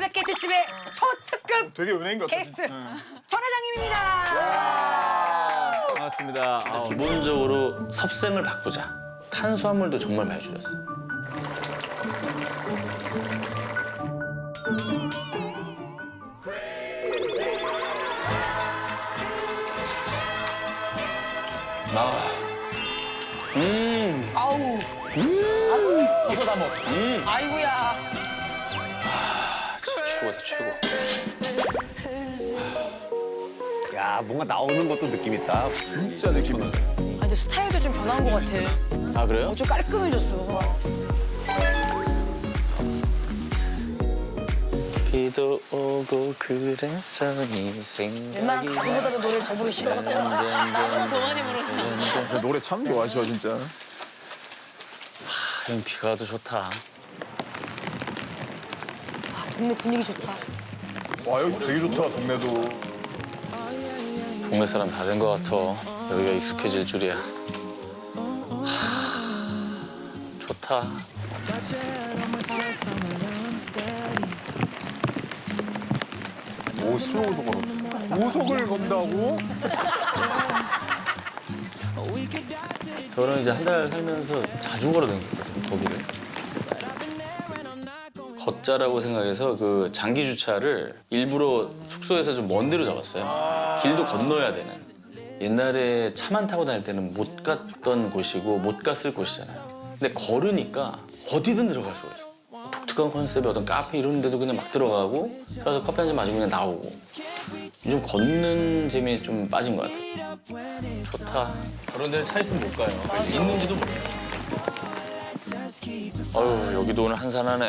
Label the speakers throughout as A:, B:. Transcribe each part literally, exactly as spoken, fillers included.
A: 백 개 특집의 초특급
B: 되게 은행 같아.
A: 게스트
B: 응.
A: 전 회장님입니다.
C: 반갑습니다. 아, 기본적으로 섭sem을 바꾸자. 탄수화물도 정말 많이 줄였어. 아, 음,
A: 아우.
C: 음,
A: 아우.
C: 다 먹. 음,
A: 아이고야.
C: 아, 진짜 최고다 최고.
D: 야, 뭔가 나오는 것도 느낌 있다.
B: 진짜 느낌 있어.
A: 아, 근데 스타일도 좀 변한 것 같아.
C: 아 그래요?
A: 좀 깔끔해졌어.
C: 비도 오고 그래서 네 생각이.
A: 웬만한 가수보다도 노래 더 부르시더라고요.
C: 더 많이 부르다.
B: 저 노래 참 좋아하셔 진짜.
C: 형 비가 와도 좋다.
A: 아, 동네 분위기 좋다.
B: 와 여기 되게 좋다 동네도.
C: 동네 사람 다 된 것 같아. 여기가 익숙해질 줄이야. 하, 좋다.
B: 오 슬로우도 걸어. 고속을 건다고?
C: 저는 이제 한 달 살면서 자주 걸어다녔거든요, 거기를. 걷자라고 생각해서 그 장기 주차를 일부러 숙소에서 좀 먼 데로 잡았어요. 길도 건너야 되는. 옛날에 차만 타고 다닐 때는 못 갔던 곳이고 못 갔을 곳이잖아요. 근데 걸으니까 어디든 들어갈 수가 있어. 독특한 컨셉의 어떤 카페 이런 데도 그냥 막 들어가고 그래서 커피 한 잔 마시고 그냥 나오고. 요즘 걷는 재미에 좀 빠진 것 같아. 좋다. 그런 데는 차 있으면 못 가요. 있는지도 몰라요. 아유, 여기도 오늘 한산하네.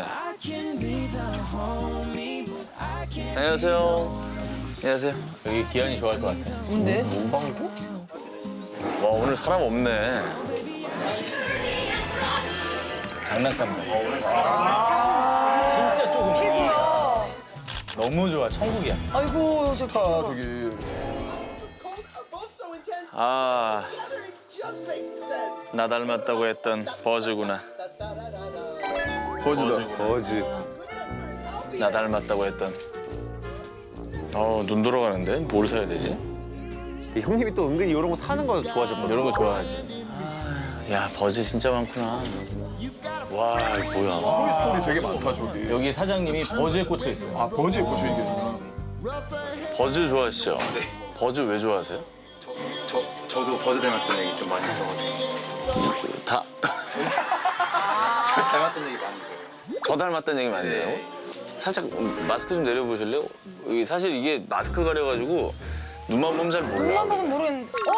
C: 안녕하세요. 안녕하세요. 여기 기한이 좋아할 것 같아.
A: 뭔데?
B: 문방구?
C: 와, 오늘 사람 없네. 장난감들. 진짜 조금.
A: 피부야.
C: 너무 좋아. 천국이야.
A: 아이고, 저
B: 아 저기
C: 아, 나 닮았다고 했던 버즈구나.
B: 버즈다.
D: 버즈.
C: 나 닮았다고 했던. 어, 눈 돌아가는데? 뭘 사야 되지?
D: 형님이 또 은근히 이런 거 사는 거 좋아하셨거든요.
C: 이런 거 좋아하지. 야, 버즈 진짜 많구나. 와, 이거 뭐야.
B: 토이스토리 되게 많다 저기.
C: 여기 사장님이 버즈에 꽂혀 있어요.
B: 아 버즈에 꽂혀 이게.
C: 버즈 좋아하시죠? 버즈 왜 좋아하세요?
E: 저, 저도 버즈 닮았다는 얘기 좀 많이 들어가지고
C: 다,
E: 저 닮았다는 얘기 많이 들어요.
C: 저 닮았다는 얘기 많이 해요. 살짝 마스크 좀 내려보실래요? 이 사실 이게 마스크 가려가지고 눈만 보면 잘
A: 눈만
C: 몰라.
A: 봐서 모르겠는데. 어!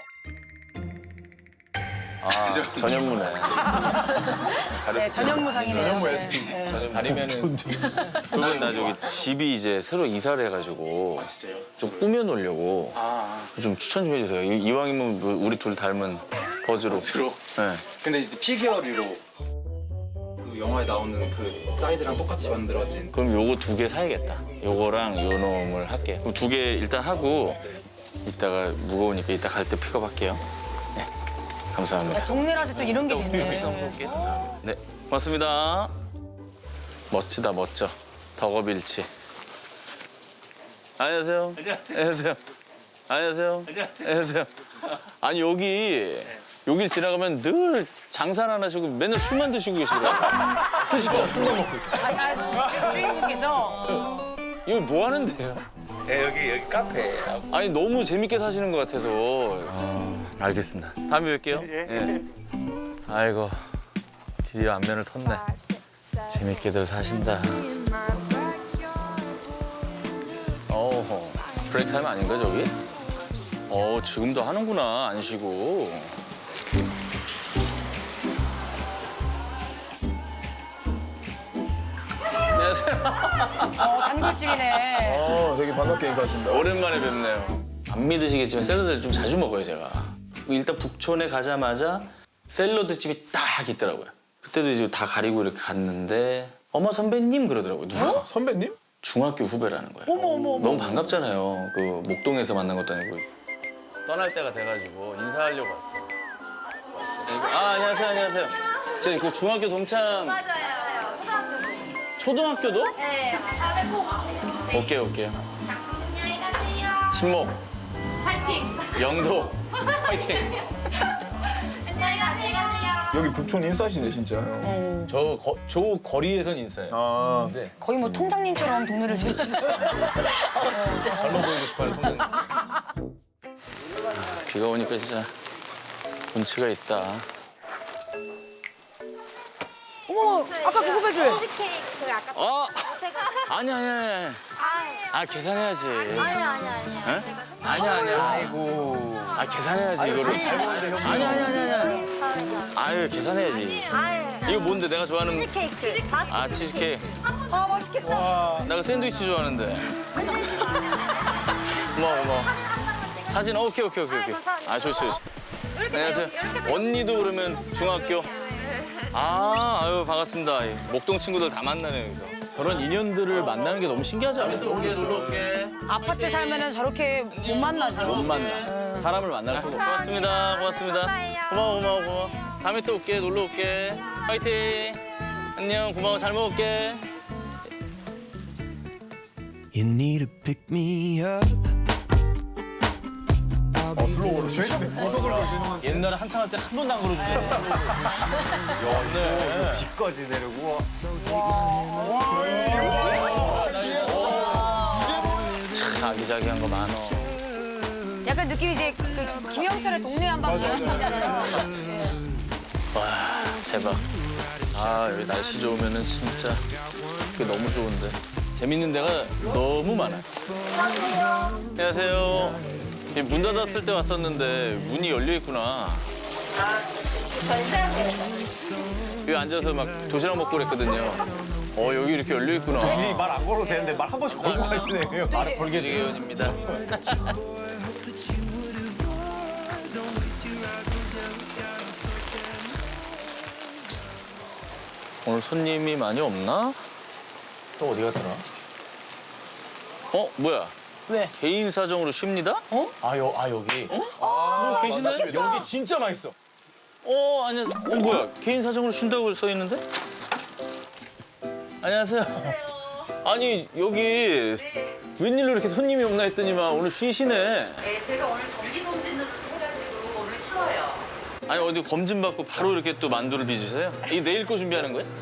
C: 아, 전현무네.
A: 네, 전현무상이네요.
B: 전현무
A: 네.
B: 에스피.
A: 네.
C: 아니면은 그러면 나 저기 집이 이제 새로 이사를 해가지고
E: 진짜요?
C: 좀 꾸며놓으려고
E: 아,
C: 좀 추천 좀 해주세요. 이- 이왕이면 뭐 우리 둘 닮은 버즈로.
E: 주로.
C: 네.
E: 근데 이제 피규어리로 그 영화에 나오는 그 사이즈랑 똑같이 만들어진
C: 그럼 요거 두 개 사야겠다. 요거랑 요 놈을 할게. 그럼 두 개 일단 하고 이따가 무거우니까 이따 갈 때 픽업할게요. 네, 감사합니다.
A: 야, 동네라서 또 이런 게 되네.
C: 네, 고맙습니다. 멋지다, 멋져. 덕업일치. 안녕하세요. 안녕하세요. 안녕하세요. 안녕하세요. 안녕하세요. 아니 여기 여길 지나가면 늘 장사를 안 하시고 맨날 술만 드시고 계시더라고요. 그죠? 술만 먹고.
A: 아, 아, 주인분께서
C: 이거 뭐 하는데요?
D: 네, 여기 여기 카페.
C: 아니 너무 재밌게 사시는 것 같아서. 알겠습니다. 다음에 뵐게요. 예. 아이고 드디어 안면을 텄네. 재밌게들 사신다. 어, 브레이크 타임 아닌가 저기? 어, 지금도 하는구나 안 쉬고. 안녕하세요.
A: 어, 단골집이네.
B: 어 되게 반갑게 인사하신다.
C: 오랜만에 뵙네요. 안 믿으시겠지만 샐러드를 좀 자주 먹어요 제가. 일단 북촌에 가자마자 샐러드 집이 딱 있더라고요. 그때도 이제 다 가리고 이렇게 갔는데 어머 선배님 그러더라고요. 누가?
B: 선배님?
C: 중학교 후배라는 거예요.
A: 어머, 어머, 어머.
C: 너무 반갑잖아요. 그 목동에서 만난 것도 아니고 떠날 때가 돼가지고 인사하려고 왔어요. 왔어요. 아 안녕하세요 안녕하세요. 제 그 중학교 동창.
F: 맞아요. 초등학교
C: 초등학교도?
F: 네, 다음에 꼭
C: 오케이 오케이.
F: 안녕히 가세요.
C: 신목,
F: 파이팅.
C: 영도, 화이팅.
F: 안녕히 가세요.
B: 여기 북촌 인싸시네 진짜. 형.
C: 저, 거, 저 거리에선 인싸예요.
B: 아
A: 거의 뭐 통장님처럼 동네를 지금. 어 진짜.
C: 젊어 보이고 싶어요, 통장. 비가 오니까 진짜 운치가 있다.
A: 어머 아까 그 후배들.
F: 치즈케이크 아까
C: 어?
F: 제가
C: 아니 아니 아니. 아 계산해야지.
F: 아니 아니 아니.
C: 에? 아니야 아니야. 아이고. 아 계산해야지 이거를. 아니 아니 아니 아니. 아유 계산해야지. 이거 뭔데 내가 좋아하는
F: 치즈케이크.
C: 아 치즈케이크.
A: 아 맛있겠다.
C: 나 그 샌드위치 좋아하는데. 고마워 고마워. 사진 오케이 오케이 오케이 오케이. 아 좋지 좋지. 안녕하세요. 언니도 그러면 중학교. 아 아유 반갑습니다. 목동 친구들 다 만나네 여기서. 저런 인연들을 만나는 게 너무 신기하지 않아요? 올게 놀러 올게.
A: 아파트 살면은 저렇게 못 만나죠.
C: 못 만나. 사람을 만날 수가 없어. 고맙습니다. 고맙습니다. 고마워, 고마워, 고마워. 다음에 또 올게, 놀러 올게. 파이팅. 안녕, 고마워, 잘 먹을게.
G: You need to pick me up.
B: 어, 슬로우로 죄송해. 고속을 걸 죄송한데.
C: 옛날에 한창 할 때 한 번도 안 걸어주네. 네.
D: 뒤까지 내려고.
C: 참 아기자기한 거 많어.
A: 약간 느낌이 이제 그 김영철의 동네 한바퀴 하지 않나요?
C: 와, 대박. 아, 여기 날씨 좋으면은 진짜 그게 너무 좋은데. 재밌는 데가 너무 많아. 안녕하세요. 이문 닫았을 때 왔었는데 문이 열려 있구나. 여기 앉아서 막 도시락 먹고 그랬거든요. 어, 여기 이렇게 열려 있구나.
D: 굳이 말 안 걸어도 되는데 말 한 번씩 걸고 가시네요.
C: 말을 걸게 되어집니다. 오늘 손님이 많이 없나? 또 어디 갔더라? 어, 뭐야?
A: 왜?
C: 개인 사정으로 쉽니다? 어?
D: 아, 여, 아 여기.
C: 뭐 계시네?
D: 여기 진짜 맛있어.
C: 어, 아니야. 어, 뭐야? 개인 사정으로 쉰다고 써 있는데? 안녕하세요. 아니, 여기 웬일로 이렇게 손님이 없나 했더니만 오늘 쉬시네.
H: 네, 제가 오늘 정기 검진을 해가지고 오늘 쉬어요.
C: 아니, 어디 검진 받고 바로 이렇게 또 만두를 빚으세요? 이게 내일 거 준비하는 거예요?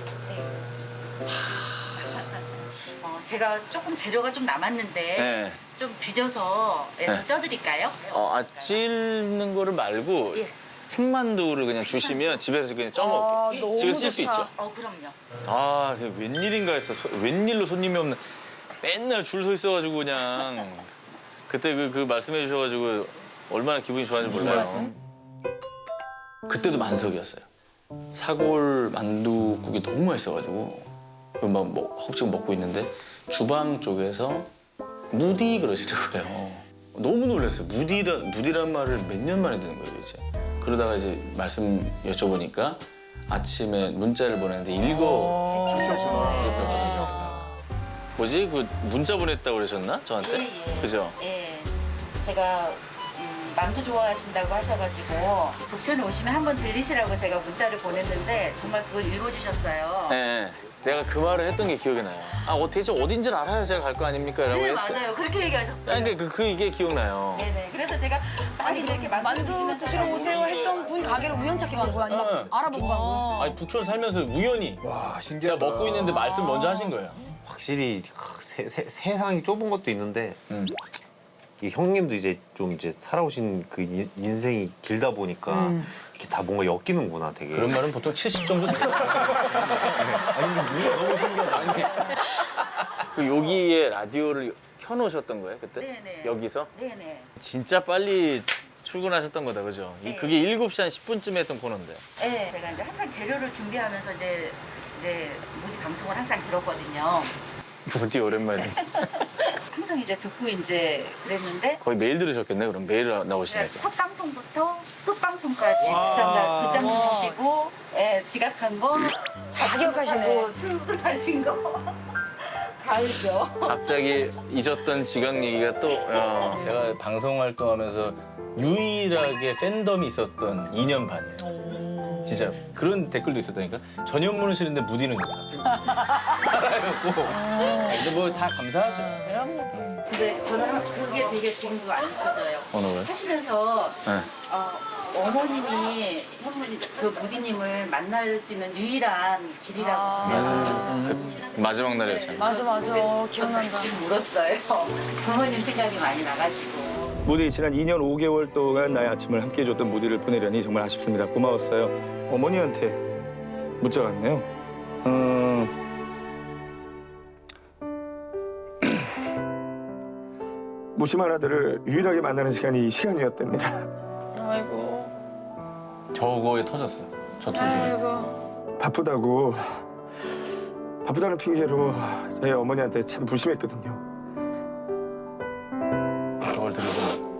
H: 어, 제가 조금 재료가 좀 남았는데
C: 네.
H: 좀 빚어서 예, 좀
C: 네.
H: 쪄드릴까요?
C: 어, 아, 찔는 거를 말고
H: 예.
C: 생만두를 그냥 주시면 집에서 그냥
A: 아,
C: 쪄먹을게요.
A: 너무
C: 집에서 찔 수
A: 좋다.
C: 있죠?
H: 어, 그럼요.
C: 아, 그게 웬일인가 했어. 소- 웬일로 손님이 없는. 맨날 줄 서 있어가지고 그냥. 그때 그, 그 말씀해 주셔가지고 얼마나 기분이 좋았는지 몰라요. 그때도 만석이었어요. 사골 만두국이 너무 맛있어가지고 막 뭐, 허겁지겁 먹고 있는데 주방 쪽에서 무디 그러시더라고요. 너무 놀랐어요. 무디라, 무디란 말을 몇 년 만에 듣는 거예요, 이제. 그러다가 이제 말씀 여쭤보니까 아침에 문자를 보냈는데 읽어 주셨구나. 제가. 뭐지? 그 문자 보냈다고 그러셨나? 저한테?
H: 예, 예.
C: 그죠?
H: 예, 제가 음, 만두 좋아하신다고 하셔가지고 북촌에 오시면 한번 들리시라고 제가 문자를 보냈는데 정말 그걸 읽어주셨어요.
C: 네. 내가 그 말을 했던 게 기억이 나요. 아, 어, 대체 어딘지를 알아야 제가 갈 거 아닙니까? 라고
H: 네,
C: 했-
H: 맞아요. 그렇게 얘기하셨어요.
C: 아니, 근데 그, 그 이게 기억나요.
H: 네네. 그래서 제가 많이 이렇게 만두,
A: 만두 드시러 오세요 했던 분 가게를 우연찮게 간 거야? 아니면
C: 응.
A: 알아보고 간 거야?
C: 아니, 북촌 살면서 우연히
B: 와
C: 제가
B: 신기하다.
C: 먹고 있는데 말씀 먼저 하신 거예요.
D: 확실히 크, 세, 세, 세상이 좁은 것도 있는데
C: 음.
D: 이 형님도 이제 좀 이제 살아오신 그 인- 인생이 길다 보니까
A: 음.
D: 이렇게 다 뭔가 엮이는구나 되게.
C: 그런 말은 보통 칠십 정도 돼요. 아니, 근데 너무 신기하다. 아니. 그 여기에 라디오를 켜놓으셨던 거예요, 그때?
H: 네네.
C: 여기서?
H: 네네.
C: 진짜 빨리 출근하셨던 거다, 그죠? 이-
H: 네.
C: 그게 일곱 시 한 십 분쯤에 했던 코너인데.
H: 네. 제가 이제 항상 재료를 준비하면서 이제 이제 모디 방송을 항상 들었거든요.
C: 부디 오랜만에.
H: 항상 이제 듣고 이제 그랬는데
C: 거의 매일 들으셨겠네, 그럼 매일 나오시니까.
H: 첫 방송부터 끝 방송까지 극장 극장 주시고 예, 지각한 거
A: 다 기억하시네.
H: 출근하신 거 다 알죠.
C: 갑자기 잊었던 지각 얘기가 또. 어. 제가 방송 활동하면서 유일하게 팬덤이 있었던 이 년 반이에요. 진짜 그런 댓글도 있었다니까. 전현무는 싫은데 무디는 좋다. 알아갖고. 근데 뭐 다 감사하죠.
H: 근데 저는 한- 그게 되게 지금도 안 잊혀져요.
C: 어느 거요?
H: 하시면서
C: 네.
H: 어, 어머님이 현무님 그 무디님을 만날 수 있는 유일한 길이라고
C: 그 마지막 날이었잖아요.
A: 맞아 맞아 기억난다.
H: 지금 울었어요. 부모님 생각이 많이 나가지고.
B: 무디 지난 이 년 오 개월 동안 나의 아침을 함께 해줬던 무디를 보내려니 정말 아쉽습니다. 고마웠어요. 어머니한테 문자가 왔네요. 음... 무심한 아들을 유일하게 만나는 시간이 이 시간이었답니다.
A: 아이고
C: 저거에 터졌어요. 저 통에.
A: 아이고.
B: 바쁘다고 바쁘다는 핑계로 저희 어머니한테 참 불심했거든요.
C: 저걸 들고.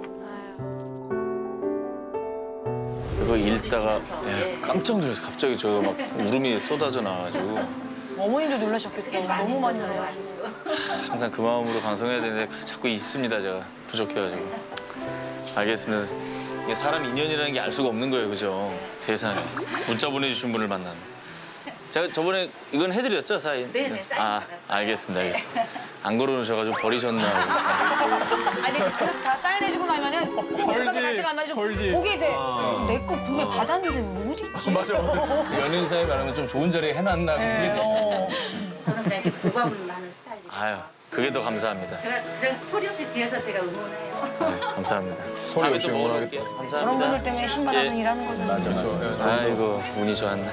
C: 그거 읽다가 예, 깜짝 놀랐어요. 갑자기 저 막 울음이 쏟아져 나와가지고
A: 어머니도 놀라셨겠다. 너무 많이
H: 있었어요,
A: 놀라.
H: 아직도.
C: 항상 그 마음으로 방송해야 되는데 자꾸 있습니다. 제가 부족해가지고. 알겠습니다. 이게 사람 인연이라는 게 알 수가 없는 거예요, 그죠? 세상에 문자 보내주신 분을 만나는. 제가 저번에 이건 해드렸죠, 사인?
H: 네네, 사인
C: 아,
H: 받았어요.
C: 알겠습니다, 알겠습니다. 안 걸어놓으셔가지고 버리셨나.
A: 아니 그릇 다 사인해주고 나면은 헐지 같이 가면 좀 보게 돼. 내 거 분명 받았는데 뭐 어디 있지?
B: 맞아 맞아.
C: 연인 사이 말하면 좀 좋은 자리에 해놨나.
A: 어.
H: 저는 그냥 이렇게 교감을 하는 스타일이에요.
C: 아유, 그게 더 감사합니다.
H: 제가 그냥 소리 없이 뒤에서 제가 응원해요.
C: 감사합니다.
B: 소리 없이
C: 다음에 또
B: 응원하겠다.
C: 먹어볼게요.
A: 그런
C: 감사합니다.
A: 분들 때문에 힘 받아서 일하는 거죠. 진짜.
B: 그렇죠.
C: 아이고, 운이 좋았네.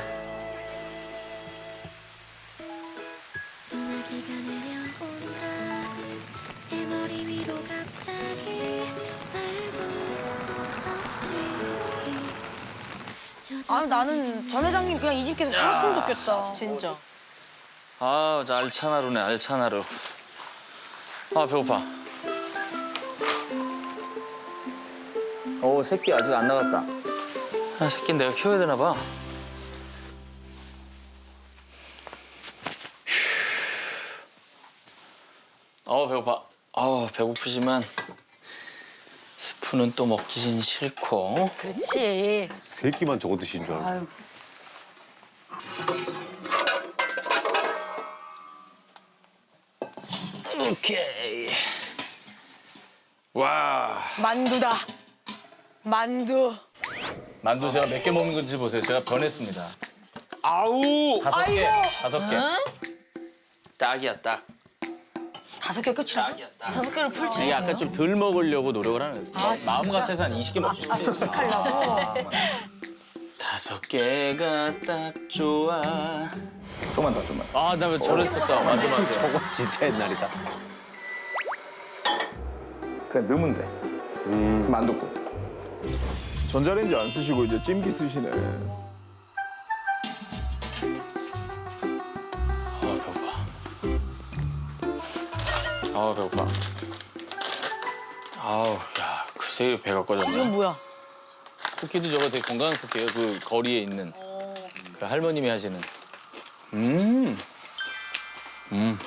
F: 소나기가 내려온다 내 머리 위로 갑자기 말도 없이
A: 아 나는 전 회장님 그냥 이 집 계속 살았으면 좋겠다.
I: 진짜.
C: 아, 저 알찬 하루네, 알찬 하루. 아, 배고파. 오, 새끼 아직 안 나갔다. 아, 새끼는 내가 키워야 되나 봐. 어, 배고파. 아, 배고프지만 스프는 또 먹기진 싫고.
A: 그렇지.
D: 세 끼만 저거 드시는 줄 알고.
C: 오케이. 와.
A: 만두다. 만두.
C: 만두 제가 몇 개 먹는 건지 보세요. 제가 변했습니다. 아우. 다섯 개.
A: 아이고.
C: 다섯 개. 딱이야, 딱.
A: 다섯 개 끝이라고?
C: 딱이야, 딱.
I: 다섯 개를 풀지.
C: 이게 아까 좀 덜 먹으려고 노력을 하는 거예요. 마음 같아서 한 이십 개 먹고 싶어요.
A: 아 섭식하려고.
C: 다섯 개가 딱 좋아.
B: 좀만 더 좀만.
C: 아, 나 왜 저랬었다. 맞아, 맞아.
D: 저거 진짜 옛날이다.
B: 그냥 넣으면 돼. 음. 그럼 안 넣고. 전자레인지 안 쓰시고 이제 찜기 쓰시네.
C: 아, 배고파. 아, 배고파. 아우, 야, 그새 배가 꺼졌네.
A: 이건 뭐야?
C: 쿠키도 저거 되게 건강한 쿠키예요. 그 거리에 있는 그 할머님이 하시는. 음. 음.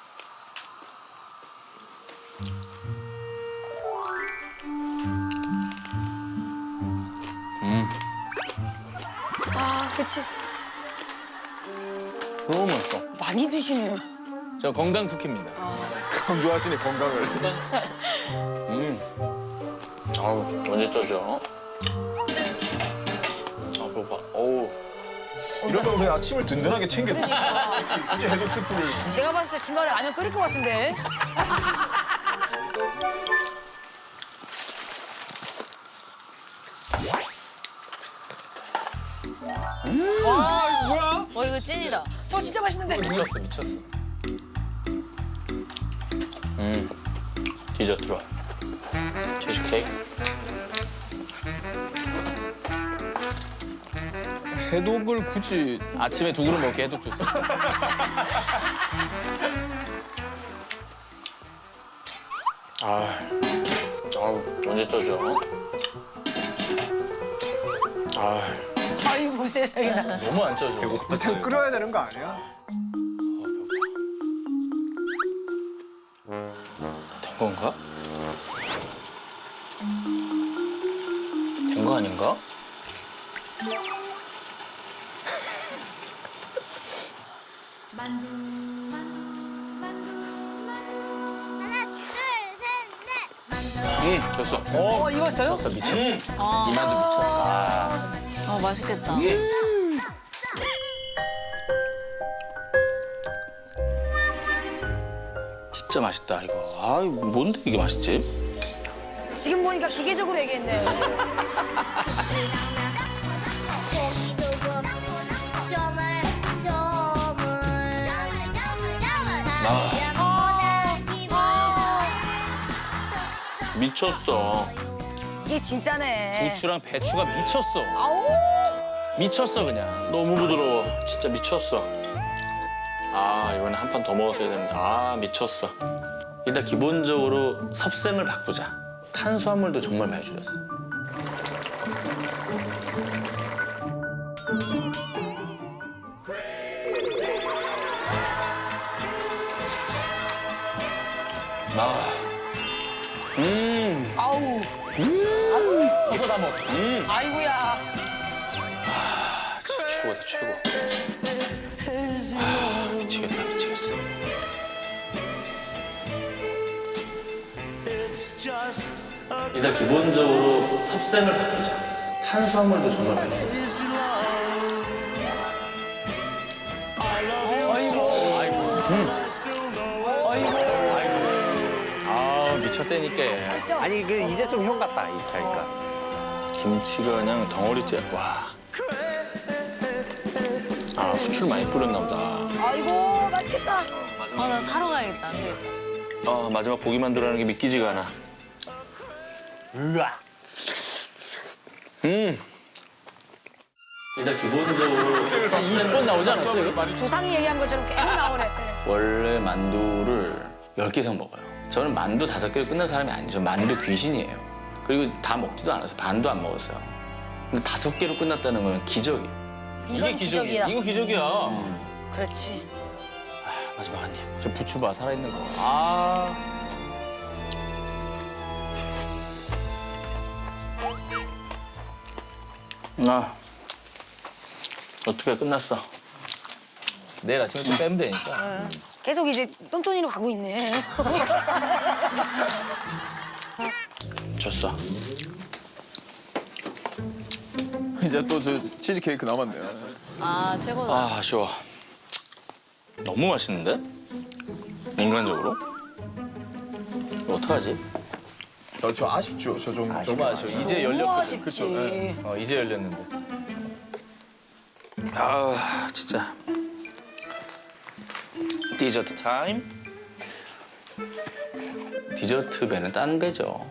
C: 음.
A: 아 그치.
C: 너무 맛있어.
A: 많이 드시네요.
C: 저 건강 쿠키입니다.
B: 강조하시네 건강을.
C: 음. 아우, 언제 쪄죠? 아, 배고파. 어우.
B: 이러면 그냥 아침을 든든하게 챙겨. 굳이 해독 스프를.
A: 내가 봤을 때 중간에 라면 끓일 것 같은데.
B: 아 뭐야?
I: 어 이거 찐이다.
A: 저 진짜 맛있는데.
C: 미쳤어, 미쳤어. 음. 디저트로. 치즈케이크.
B: 해독을 굳이.
C: 아침에 두 그릇 먹게 해독 주스. 아, 아우, 언제 쪄죠? 아,
A: 아이고 세상에나.
C: 너무 안 쪄져.
B: 일단 끓여야 되는 거 아니야?
C: 된 건가? 된 거 아닌가? 응, 졌어.
A: 어, 익었어요?
C: 졌어, 미쳤어. 이 만두 미쳤어. 아.
I: 아 맛있겠다.
C: 진짜 맛있다, 이거. 아, 뭔데 이게 맛있지?
A: 지금 보니까 기계적으로 얘기했네요.
C: 미쳤어.
A: 이게 진짜네.
C: 고추랑 배추가 미쳤어.
A: 아우.
C: 미쳤어, 그냥. 너무 부드러워. 진짜 미쳤어. 아, 이번에 한 판 더 먹었어야 되는데. 아, 미쳤어. 일단 기본적으로 섭생을 바꾸자. 탄수화물도 정말 많이 줄였어. 아, 음,
A: 아우.
C: 이거 다 먹어. 음,
A: 아이고야.
C: 아, 진짜 최고다, 최고. 아, 미치겠다, 미치겠어. 일단 기본적으로 섭생을 바꾸자. 탄수화물도 정말 많이 줄였어. 아, 미쳤다니까.
D: 아니 그 이제 좀 형 같다 이렇게 하니까.
C: 김치가 그냥 덩어리째. 와. 아, 후추를 많이 뿌렸나 보다.
A: 아이고, 맛있겠다.
I: 아 나 사러 가야겠다. 안 되겠다.
C: 아, 마지막 고기 만두라는 게 믿기지가 않아.
D: 으아.
C: 음. 일단 기본적으로 이십 번 나오지 않았어요? 이거?
A: 조상이 얘기한 것처럼 계속 나오네.
C: 원래 만두를 열 개 이상 먹어요. 저는 만두 다섯 개로 끝날 사람이 아니죠. 만두 귀신이에요. 그리고 다 먹지도 않았어요. 반도 안 먹었어요. 근데 다섯 개로 끝났다는 건 기적이에요.
A: 이건 기적이야.
C: 이거 기적이야.
A: 그렇지.
C: 마지막 한 입. 저 부추 봐, 살아있는 거. 아. 나 어떻게 끝났어? 내일 아침에 좀 빼면 되니까.
A: 계속 이제 똔똔이로 가고 있네.
C: 졌어.
B: 이제 또 저 치즈 케이크 남았네요.
I: 아 최고다.
C: 아, 아쉬워. 너무 맛있는데? 인간적으로? 이거 어떡하지?
B: 저, 저 아쉽죠. 저 좀.
C: 정말 아쉬워. 이제
A: 너무
C: 열렸거든.
A: 아쉽지.
B: 그쵸, 예.
C: 어, 이제 열렸는데. 아, 진짜. 디저트 타임. 디저트 배는 딴 배죠.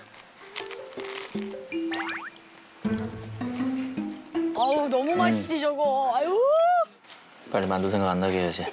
A: 아우, 너무 맛있지, 저거. 아유.
C: 빨리 만두 생각 안 나게 해야지.